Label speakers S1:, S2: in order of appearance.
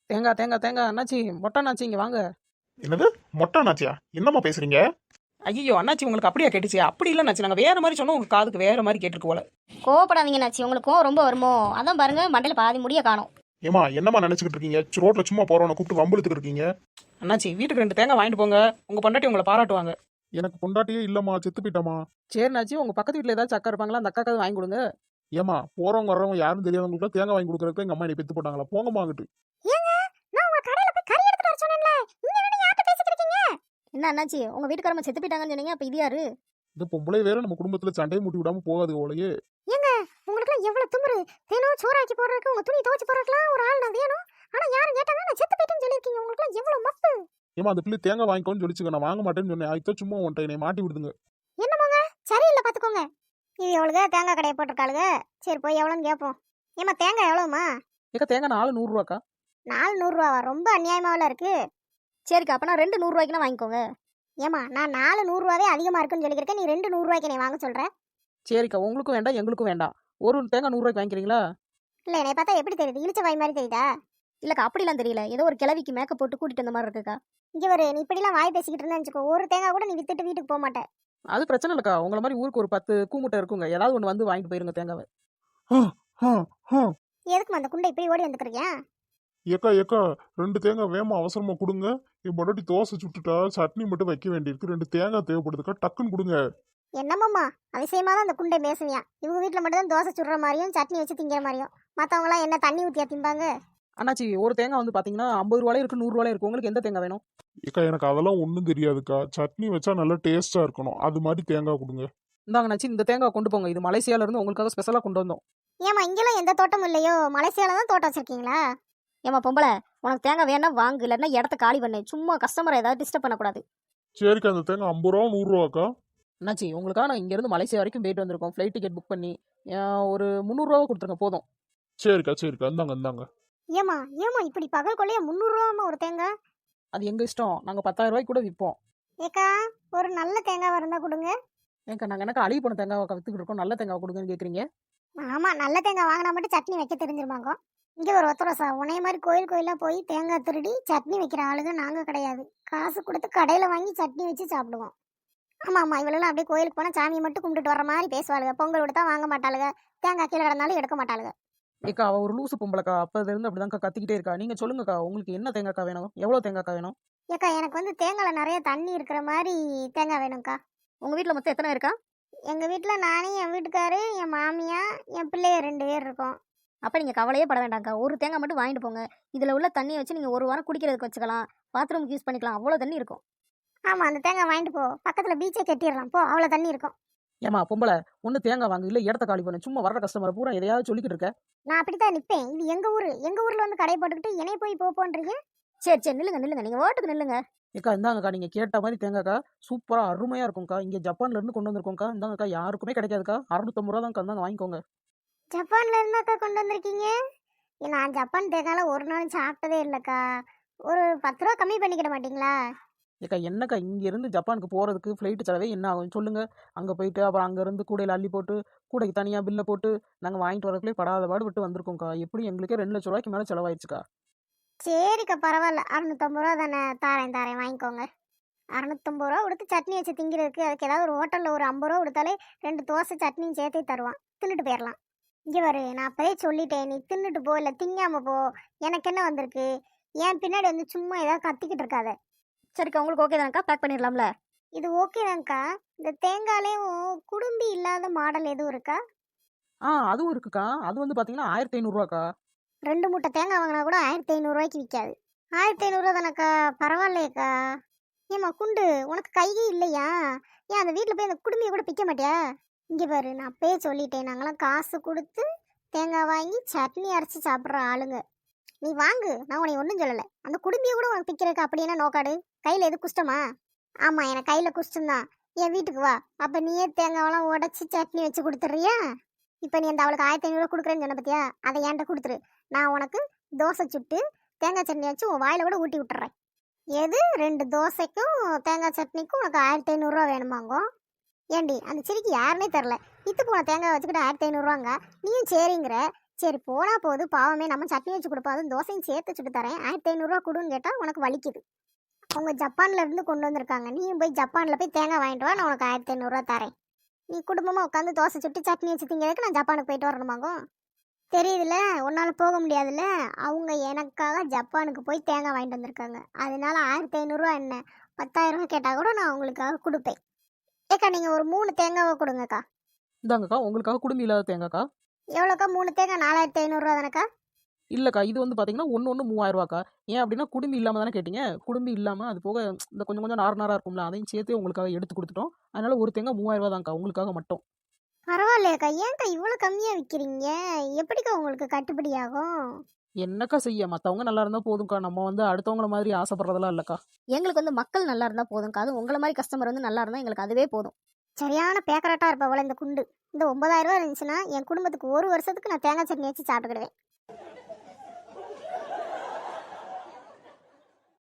S1: தேங்காய் தேங்காய் தேங்காய் அண்ணாச்சி மொட்டை அண்ணாச்சி இங்கே வாங்க.
S2: என்னது மொட்டை நாச்சியா? என்னம்மா பேசுறீங்க?
S1: ஐயோ அண்ணாச்சி உங்களுக்கு அப்படியா கேட்டுச்சு? அப்படி இல்லை அண்ணாச்சி, நாங்கள் வேற மாதிரி சொன்னோம், உங்கள் காதுக்கு வேற மாதிரி கேட்டிருக்கு போல.
S3: கோவப்படாதீங்க நாச்சி, உங்களுக்கு கோவம் ரொம்ப வருமோ? அதான் பாருங்க மண்டையில பாதி முடிய காணும்.
S2: ஏமா என்னம்மா நினைச்சுக்கிட்டு இருக்கீங்க? ரோட்ல சும்மா போறவனை கூப்பிட்டு வம்புழுத்துக்கிட்டு இருக்கீங்க.
S1: அண்ணாச்சி வீட்டுக்கு 2 தேங்காய் வாங்கிட்டு போங்க, உங்கள் பொண்டாட்டி உங்களை பாராட்டுவாங்க.
S2: எனக்கு பொண்டாட்டியே இல்லம்மா, செத்து போயிட்டாமா.
S1: சரிண்ணாச்சி, உங்கள் பக்கத்து வீட்டில் ஏதாச்சும் அக்கா இருப்பாங்களா, அந்த அக்காக்காவது வாங்கி கொடுங்க.
S2: ஏமா போறவங்க வர்றவங்க யாரும் தெரியாதவங்களுக்கு தேங்காய் வாங்கி கொடுக்கறதுக்கு எங்க அம்மா என்னை பெத்து போட்டாங்களா? போங்கம்மா அங்கிட்டு.
S3: ஏங்க, நான் உங்க கடையில போய் கறி எடுத்துட்டு வர சொன்னேன்ல, நீங்க என்ன யார்ட்ட பேசிட்டு இருக்கீங்க? என்ன அண்ணாச்சி, உங்க வீட்டுக்காரமா செத்து போயிட்டாங்கன்னு சொன்னீங்க, அப்ப இது யாரு?
S2: இந்த பொம்பளை வேற நம்ம குடும்பத்துல சண்டையை மூட்டி விடாம போகாது போலயே.
S3: ஏங்க, உங்களுக்குலாம் எவ்வளவு திமிரு! தினம் சோறாக்கி போடுறதுக்கு, உங்க துணி துவைச்சு போடுறதுக்குலாம் ஒரு ஆள் நான் வேணும். ஆனா யாரும் கேட்டாங்க நான் செத்து போயிட்டேன்னு சொல்லியிருக்கீங்க. உங்களுக்குலாம் எவ்வளவு மப்பு!
S2: ஏமா அந்த பிள்ளை தேங்காய் வாங்கிக்கோன்னு சொல்லிச்சுங்க, நான் வாங்க மாட்டேன்னு சொன்னேன். அதுதான் சும்மா உன்ட்ட என்னை மாட்டி விடுதுங்க.
S3: என்னமோங்க, சரியில்லை பாத்துக்கோங்க. இது எவ்வளவுங்க தேங்காய் கடையை போட்டிருக்காளுங்க. சரி போய் எவ்வளோன்னு கேட்போம். ஏமா தேங்காய் எவ்வளவுமா?
S1: ஏக்கா தேங்காய் 4 100 ரூபாக்கா.
S3: 4 100 ரூபாவா? ரொம்ப அநியாயமாவில் இருக்கு. சரிக்கா, அப்ப நான் 2 100 ரூபாய்க்குனா வாங்கிக்கோங்க. ஏமா நான் 4 100 ரூபாவே அதிகமா இருக்குன்னு சொல்லியிருக்கேன், நீ 2 100 ரூபாய்க்கு நீ வாங்க சொல்ற?
S1: சரிக்கா, உங்களுக்கும் வேண்டாம் எங்களுக்கும் வேண்டாம். ஒரு தேங்காய் 100 ரூபாய்க்கு வாங்கிக்கிறீங்களா?
S3: இல்லை, என்னை பார்த்தா எப்படி தெரியுது? இழிச்ச வாய் மாதிரி தெரியுதா? இல்லக்கா அப்படிலாம் தெரியல, ஏதோ ஒரு கிளவிக்கு மேக்கப் போட்டு கூட்டிட்டு வந்த மாதிரி இருக்குக்கா. இங்கே ஒரு நீ இப்படிலாம் வாய் பேசிக்கிட்டு இருந்தா வச்சுக்கோ, ஒரு தேங்காய் கூட நீ வித்துட்டு வீட்டுக்கு போக மாட்டேன்.
S1: அது பிரச்சனை இல்லைக்கா, உங்களை மாதிரி ஊருக்கு ஒரு 10 கூமுட்டை இருக்குங்க, ஏதாவது ஒன்று வந்து வாங்கிட்டு போயிருங்க தேங்காவை.
S3: எதுக்கு அந்த குண்டை இப்படி ஓடி வந்துக்கிறீங்க?
S2: ஏக்கா ஏக்கா 2 தேங்காய் வேமா அவசரமா கொடுங்க. என் பொண்டாட்டி தோசை சுட்டுட்டா, சட்னி மட்டும் வைக்க வேண்டியிருக்கு. 2 தேங்காய் தேவைப்படுதுக்கா, டக்குன்னு கொடுங்க.
S3: என்னம்மா அதிசயமா தான் அந்த குண்டை பேசுவியா? இவங்க வீட்டில் மட்டும் தான் தோசை சுடுற மாதிரியும் சட்னி வச்சு திங்கிற மாதிரியும், மற்றவங்களாம் என்ன தண்ணி ஊற்றியா திம்பாங்க?
S1: அண்ணாச்சி ஒரு தேங்காய் வந்து பார்த்தீங்கன்னா 50 ரூபாயில இருக்கு, 100 ரூபாயில இருக்கு. உங்களுக்கு எந்த தேங்காய் வேணும்?
S2: ஏக்கா எனக்கு அதெல்லாம் ஒன்றும் தெரியாதுக்கா. சட்னி வச்சா நல்லா டேஸ்டா இருக்கணும், அது மாதிரி தேங்காய் கொடுங்க.
S1: இந்தாங்க அண்ணாச்சி, இந்த தேங்காய் கொண்டு போங்க, இது மலேசியால இருந்து உங்களுக்காக ஸ்பெஷலாக கொண்டு வந்தோம்.
S3: ஏமா இங்கெல்லாம் எந்த தோட்டமும் இல்லையோ? மலேசியால தான் தோட்டம் வச்சிருக்கீங்களா? ஏமா பொம்பளை, உனக்கு தேங்காய் வேணா வாங்கு, இல்லைன்னா இடத்த காலி பண்ணு. சும்மா கஸ்டமரை ஏதாவது டிஸ்டர்ப் பண்ணக்கூடாது.
S2: சரிக்கா, அந்த தேங்காய் 50 ரூபா 100 ரூபாக்கா?
S1: அண்ணாச்சி உங்களுக்காக நான் இங்கேருந்து மலேசியா வரைக்கும் போயிட்டு வந்திருக்கோம், ஃப்ளைட் டிக்கெட் புக் பண்ணி. ஒரு 300 ரூபா கொடுத்துருங்க போதும்.
S2: சரிக்கா சரிக்கா, இந்தாங்க இந்தாங்க.
S3: ஏமா ஏமா இப்படி பகல் கொள்ளையா 300 ரூபாமா ஒரு தேங்காய்?
S1: அது எங்கள் இஷ்டம், நாங்கள் 10,000 ரூபாய்க்கு கூட விற்போம்.
S3: ஏக்கா ஒரு நல்ல தேங்காய் இருந்தா கொடுங்க.
S1: ஏக்கா நாங்கள் எனக்கு அழுகி போன தேங்காய் வித்துக்கிட்டு இருக்கோம், நல்ல தேங்காய் கொடுங்கன்னு கேட்குறீங்க.
S3: ஆமா, நல்ல தேங்காய் வாங்கினா மட்டும் சட்னி வைக்க தெரிஞ்சிருமாங்க. இங்க ஒரு ஒத்தரசா உனைய மாதிரி கோயில் கோயிலா போய் தேங்காய் திருடி சட்னி வைக்கிற ஆளுங்க நாங்க கிடையாது. காசு கொடுத்து கடையில வாங்கி சட்னி வச்சு சாப்பிடுவோம். ஆமா ஆமா, இவளெல்லாம் அப்படியே கோயிலுக்கு போனா சாமியை மட்டும் கும்பிட்டுட்டு வர மாதிரி பேசுவாளுங்க. பொங்கல் கொடுத்தா வாங்க மாட்டாளுங்க, தேங்காய் கீழே கிடந்தாலும் எடுக்க மாட்டாளுங்க.
S1: ஏக்கா அவள் ஒரு லூசு பொம்பளைக்கா, அப்போதுலேருந்து அப்படிதான்க்கா கத்திக்கிட்டே இருக்கா. நீங்கள் சொல்லுங்கக்கா, உங்களுக்கு என்ன தேங்காய்க்கா வேணும்? எவ்வளோ தேங்காய்க்கா வேணும்?
S3: ஏக்கா எனக்கு வந்து தேங்காயில நிறைய தண்ணி இருக்கிற மாதிரி தேங்காய் வேணும்க்கா. உங்க வீட்டுல மொத்தம் எத்தனை இருக்கா? எங்க வீட்டுல நானே, என் வீட்டுக்காரு, என் மாமியா, என் பிள்ளைய 2 பேர் இருக்கோம். அப்ப நீங்க கவலையே பட வேண்டாம்க்கா, ஒரு தேங்காய் மட்டும் வாங்கிட்டு போங்க. இதுல உள்ள தண்ணியை வச்சு நீங்க 1 வாரம் குடிக்கிறதுக்கு வச்சுக்கலாம், பாத்ரூமுக்கு யூஸ் பண்ணிக்கலாம், அவ்வளோ தண்ணி இருக்கும். ஆமா, அந்த தேங்காய் வாங்கிட்டு போ, பக்கத்துல பீச்சை கட்டிடலாம் போ, அவ்வளோ தண்ணி இருக்கும்.
S1: ஏமா பொம்பளை, ஒன்று தேங்காய் வாங்க, இல்லை இடத்த காலி பண்ணு. சும்மா வர்ற கஸ்டமரை பூரா எதையாவது சொல்லிக்கிட்டு இருக்க.
S3: நான் அப்படித்தான் நிற்பேன். இது எங்க ஊரு, எங்க ஊர்ல வந்து கடை போட்டுக்கிட்டு என்னைய போய் போன்றீங்க. சரி சரி, நில்லுங்க நில்லுங்க, நீங்க ஓட்டுக்கு நில்லுங்க.
S1: ஏக்கா இந்தாங்கக்கா, நீங்கள் கேட்ட மாதிரி தேங்காய்க்கா சூப்பராக அருமையாக இருக்கும்க்கா. இங்கே ஜப்பான்ல இருந்து கொண்டு வந்திருக்கோங்க்கா. இந்தாங்கக்கா, யாருக்குமே கிடைக்காதுக்கா. 650 ரூபா தான்க்கா, இந்தாங்க வாங்கிக்கோங்க.
S3: ஜப்பான்ல இருந்தாக்கா கொண்டு வந்திருக்கீங்க? நான் ஜப்பான் தேங்காயில ஒரு நாள் சாப்பிட்டதே இல்லைக்கா. ஒரு 10 ரூபா கம்மி பண்ணிக்கிட மாட்டீங்களா?
S1: ஏக்கா என்னக்கா, இங்கேருந்து ஜப்பானுக்கு போகிறதுக்கு ஃப்ளைட்டு செலவே என்ன ஆகும் சொல்லுங்கள். அங்கே போயிட்டு அப்புறம் அங்கேருந்து கூடையில் அள்ளி போட்டு, கூடைக்கு தனியாக பில்லை போட்டு நாங்கள் வாங்கிட்டு வரக்குள்ளே படாத பாடு விட்டு வந்திருக்கோங்க்கா. எப்படி எங்களுக்கே 2 லட்ச ரூபாய்க்கு மேலே செலவாயிடுச்சுக்கா.
S3: சரிக்கா பரவாயில்ல, 650 ரூபா தானே, தாரேன் வாங்கிக்கோங்க. 650 ரூபா கொடுத்து சட்னி வச்சு திங்கிறதுக்கு, அதுக்கு ஏதாவது ஒரு ஹோட்டலில் ஒரு 50 ரூபா கொடுத்தாலே 2 தோசை சட்னியும் சேர்த்தே தருவான், தின்னுட்டு போயிடலாம். இங்கே வரு, நான் அப்போதே சொல்லிட்டேன், நீ தின்னுட்டு போ, இல்லை திங்காம போ, எனக்கு என்ன வந்திருக்கு? ஏன் பின்னாடி வந்து சும்மா ஏதாவது கத்திக்கிட்டு இருக்காத. சரிக்கா, உங்களுக்கு ஓகே தான்க்கா, பேக் பண்ணிடலாம்ல? இது ஓகே தான்க்கா. இந்த தேங்காயிலையும் குடும்பி இல்லாத மாடல் எதுவும் இருக்கா?
S1: அதுவும் இருக்குக்கா. அது வந்து பார்த்தீங்கன்னா 1500 ரூபாக்கா.
S3: 2 மூட்டை தேங்காய் வாங்கினா கூட 1500 ரூபாய்க்கு விற்காது. 1500 ரூபா தானக்கா, பரவாயில்லையக்கா. ஏம்மா குண்டு, உனக்கு கையே இல்லையா? ஏன் அந்த வீட்டில் போய் அந்த குடும்பியை கூட பிக்க மாட்டியா? இங்கே பாரு, நான் அப்பயே சொல்லிட்டேன், நாங்களாம் காசு கொடுத்து தேங்காய் வாங்கி சட்னி அரைச்சி சாப்பிட்ற ஆளுங்க. நீ வாங்கு, நான் உனக்கு ஒன்றும் சொல்லலை. அந்த குடும்பியை கூட உனக்கு பிக்கிறதுக்கு அப்படி என்ன நோக்காடு? கையில் எது குஷ்டமா? ஆமாம், எனக்கு கையில் குஷ்டம்தான். என் வீட்டுக்கு வா, அப்போ நீயே தேங்காவெல்லாம் உடச்சி சட்னி வச்சு கொடுத்துட்றியா? இப்போ நீ அந்த அவளுக்கு 1500 ரூபா கொடுக்குறேன்னு சொன்ன பத்தியா, அதை என்கிட்ட கொடுத்துரு. நான் உனக்கு தோசை சுட்டு தேங்காய் சட்னி வச்சு உன் வாயில் கூட ஊட்டி விட்டுறேன். எது 2 தோசைக்கும் தேங்காய் சட்னிக்கும் உனக்கு 1500 ரூபா வேணுமாங்கோ? ஏண்டி அந்த சிரிக்கு யாருன்னே தெரில, இத்து போன தேங்காய் வச்சுக்கிட்டு 1500 ரூபாங்க. நீயும் சரிங்கிற, சரி போனா போது பாவமே, நம்ம சட்னி வச்சு கொடுப்போம், அதுவும் தோசையும் சேர்த்து சுட்டு தரேன். 1500 கொடுன்னு கேட்டால் உனக்கு வலிக்குது. அவங்க ஜப்பான்ல இருந்து கொண்டு வந்திருக்காங்க. நீயும் போய் ஜப்பானில் போய் தேங்காய் வாங்கிட்டு வா, நான் உனக்கு 1500 தரேன். நீ குடும்பமாக உட்காந்து தோசை சுட்டு சட்னி வச்சு திங்கிறதுக்கு நான் ஜப்பானுக்கு போயிட்டு வரணுமாகும். தெரியுதுல்ல, உன்னால் போக முடியாதுல்ல. அவங்க எனக்காக ஜப்பானுக்கு போய் தேங்காய் வாங்கிட்டு வந்திருக்காங்க. அதனால 1500 என்ன 10,000 கேட்டால் கூட நான் உங்களுக்காக கொடுப்பேன். ஏக்கா நீங்கள் ஒரு 3 தேங்காவை கொடுங்கக்கா.
S1: இந்தாங்கக்கா உங்களுக்காக குடுமி இல்லாத தேங்காய்க்கா.
S3: எவ்வளோக்கா 3 தேங்காய்? 4500 தானேக்கா?
S1: இல்லைக்கா இது வந்து பார்த்தீங்கன்னா ஒன்று 3000 ஏன் அப்படின்னா குடுமி இல்லாமல் தானே கேட்டீங்க. குடுமி இல்லாமல் அது போக இந்த கொஞ்சம் கொஞ்சம் நாராக இருக்கும்ல, அதையும் சேர்த்து உங்களுக்காக எடுத்து கொடுத்துட்டோம். அதனால ஒரு தேங்காய் 3000 தான்க்கா உங்களுக்காக மட்டும்.
S3: பரவாயில்லையாக்கா, ஏன்க்கா இவ்வளோ கம்மியாக விற்கிறீங்க? எப்படிக்கா உங்களுக்கு கட்டுப்படி ஆகும்?
S1: என்னக்கா செய்ய, மற்றவங்க நல்லா இருந்தால் போதும்க்கா. நம்ம வந்து அடுத்தவங்கள மாதிரி ஆசைப்படுறதெல்லாம் இல்லைக்கா.
S4: எங்களுக்கு வந்து மக்கள் நல்லா இருந்தால் போதும்க்கா. அதுவும் உங்களை மாதிரி கஸ்டமர் வந்து நல்லா இருந்தால் எங்களுக்கு அதுவே போதும்.
S3: சரியான பேக்கரட்டாக இருப்ப இந்த குண்டு. இந்த 9000 இருந்துச்சுன்னா என் குடும்பத்துக்கு ஒரு வருஷத்துக்கு நான் தேங்காய் சட்னி வச்சு சாப்பிட்டுக்கிடுவேன்.